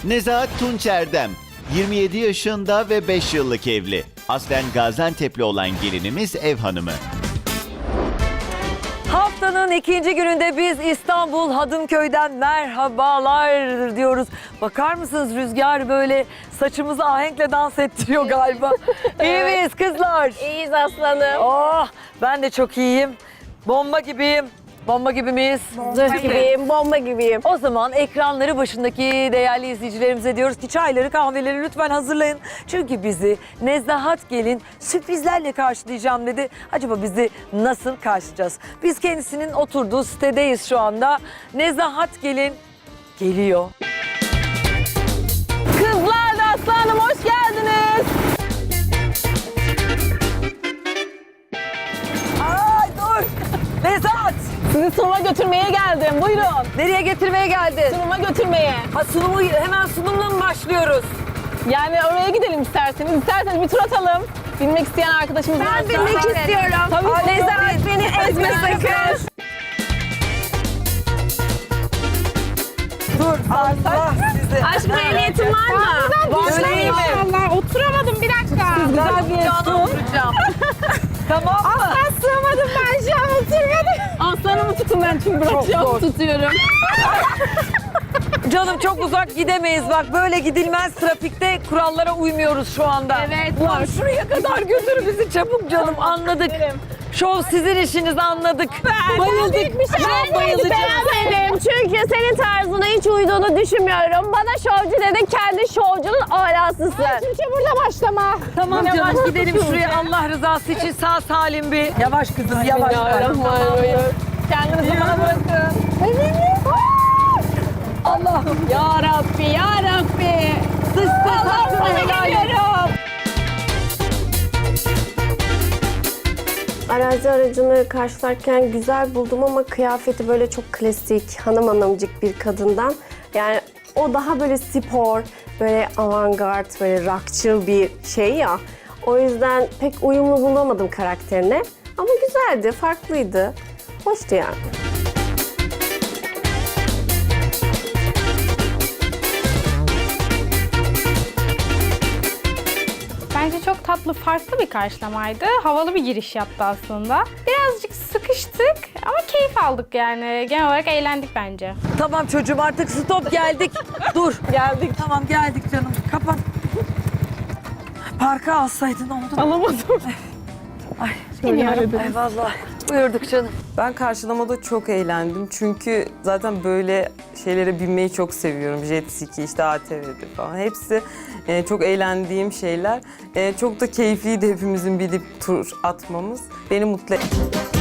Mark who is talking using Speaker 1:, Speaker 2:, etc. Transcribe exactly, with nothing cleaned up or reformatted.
Speaker 1: Nezahat Tunç Erdem, yirmi yedi yaşında ve beş yıllık evli. Aslen Gaziantep'li olan gelinimiz ev hanımı.
Speaker 2: Haftanın ikinci gününde biz İstanbul Hadımköy'den merhabalar diyoruz. Bakar mısınız, rüzgar böyle saçımızı ahenkle dans ettiriyor galiba. İyi miyiz kızlar?
Speaker 3: İyiyiz aslanım.
Speaker 2: Oh, ben de çok iyiyim. Bomba gibiyim. Bomba gibi miyiz?
Speaker 3: Zırh gibiyim, bomba gibiyim.
Speaker 2: O zaman ekranları başındaki değerli izleyicilerimize diyoruz ki çayları kahveleri lütfen hazırlayın. Çünkü bizi Nezahat Gelin sürprizlerle karşılayacağım dedi. Acaba bizi nasıl karşılayacağız? Biz kendisinin oturduğu sitedeyiz şu anda. Nezahat Gelin geliyor.
Speaker 3: Kızlar da aslanım hoş geldiniz.
Speaker 2: Ay dur! Nezahat!
Speaker 3: Sizi sunuma götürmeye geldim. Buyurun.
Speaker 2: Nereye getirmeye geldin?
Speaker 3: Sunuma götürmeye.
Speaker 2: Ha, sunumu hemen sunumla mı başlıyoruz?
Speaker 3: Yani oraya gidelim isterseniz. İsterseniz bir tur atalım. Bilmek isteyen arkadaşımız varsa.
Speaker 4: Ben bilmek istiyorum.
Speaker 3: Tabii.
Speaker 2: Ay,
Speaker 4: Nezahat
Speaker 2: tabii.
Speaker 4: beni ezme sakın.
Speaker 2: Dur Allah sizi.
Speaker 4: Aşkım ehliyetin var mı?
Speaker 2: Öyle iyi mi?
Speaker 4: Allah oturamadım bir dakika.
Speaker 3: Güzel bir
Speaker 2: Canım
Speaker 3: sun.
Speaker 2: oturacağım. Tamam mı?
Speaker 4: Ben sığamadım ben şu an oturmadım.
Speaker 3: Aslanımı tutun ben çünkü bırakacağım. Tutuyorum.
Speaker 2: Canım çok uzak gidemeyiz bak, böyle gidilmez, trafikte kurallara uymuyoruz şu anda.
Speaker 4: Evet.
Speaker 2: Ulan şuraya kadar götür bizi çabuk canım, anladık. Şov sizin işiniz, anladık.
Speaker 3: Bayıldık.
Speaker 4: Ben de beğenmedim çünkü senin tarzına hiç uyduğunu düşünmüyorum. Bana şovcu dedin, kendi şovcunun alasısın. Çünkü burada başlama.
Speaker 2: Tamam canım, gidelim şuraya Allah rızası için sağ salim bir. Yavaş kızım yavaş.
Speaker 3: Bismillahirrahmanirrahim. Kendinizi bana bırakın.
Speaker 2: Allah'ım
Speaker 3: Ya Rabbi, ya Rabbi.
Speaker 2: dış ses
Speaker 3: Sana geliyorum.
Speaker 5: Arazi aracını karşılarken güzel buldum ama kıyafeti böyle çok klasik, hanım hanımcık bir kadından. Yani o daha böyle spor, böyle avantgard, böyle rockçıl bir şey ya. O yüzden pek uyumlu bulamadım karakterine. Ama güzeldi, farklıydı. Hoştu yani.
Speaker 6: Bence çok tatlı, farklı bir karşılamaydı. Havalı bir giriş yaptı aslında. Birazcık sıkıştık ama keyif aldık yani. Genel olarak eğlendik bence.
Speaker 2: Tamam çocuğum, artık stop, geldik. Dur.
Speaker 3: Geldik.
Speaker 2: Tamam geldik canım, kapat. Parka alsaydın oldu.
Speaker 3: Alamadım.
Speaker 2: Ay, ay vallahi. Buyurduk canım.
Speaker 7: Ben karşılamada çok eğlendim çünkü zaten böyle şeylere binmeyi çok seviyorum. Jet ski, işte A T V'de falan. Hepsi e, çok eğlendiğim şeyler. E, çok da keyifliydi hepimizin binip tur atmamız. Beni mutlu etti.